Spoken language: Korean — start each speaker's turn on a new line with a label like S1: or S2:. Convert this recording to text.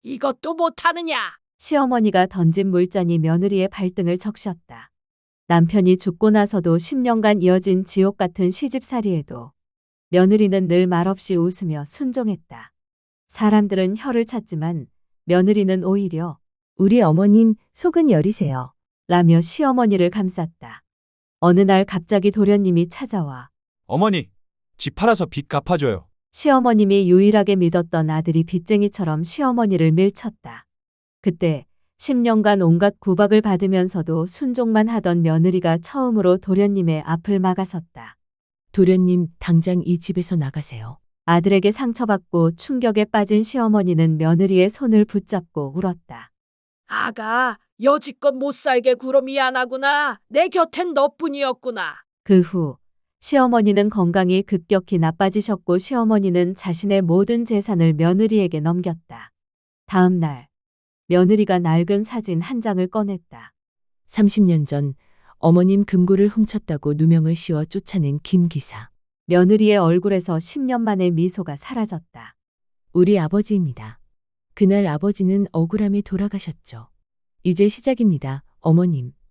S1: 이것도 못하느냐?
S2: 시어머니가 던진 물잔이 며느리의 발등을 적셨다. 남편이 죽고 나서도 10년간 이어진 지옥 같은 시집살이에도 며느리는 늘 말없이 웃으며 순종했다. 사람들은 혀를 찾지만 며느리는 오히려
S3: 우리 어머님 속은 여리세요.
S2: 라며 시어머니를 감쌌다. 어느 날 갑자기 도련님이 찾아와
S4: 어머니, 집 팔아서 빚 갚아줘요.
S2: 시어머님이 유일하게 믿었던 아들이 빚쟁이처럼 시어머니를 밀쳤다. 그때 10년간 온갖 구박을 받으면서도 순종만 하던 며느리가 처음으로 도련님의 앞을 막아섰다.
S3: 도련님, 당장 이 집에서 나가세요.
S2: 아들에게 상처받고 충격에 빠진 시어머니는 며느리의 손을 붙잡고 울었다.
S1: 아가, 여지껏 못 살게 굴어 미안하구나. 내 곁엔 너뿐이었구나.
S2: 그 후 시어머니는 건강이 급격히 나빠지셨고 시어머니는 자신의 모든 재산을 며느리에게 넘겼다. 다음 날 며느리가 낡은 사진 한 장을 꺼냈다.
S3: 30년 전 어머님 금고를 훔쳤다고 누명을 씌워 쫓아낸 김 기사.
S2: 며느리의 얼굴에서 10년 만에 미소가 사라졌다.
S3: 우리 아버지입니다. 그날 아버지는 억울함에 돌아가셨죠. 이제 시작입니다, 어머님.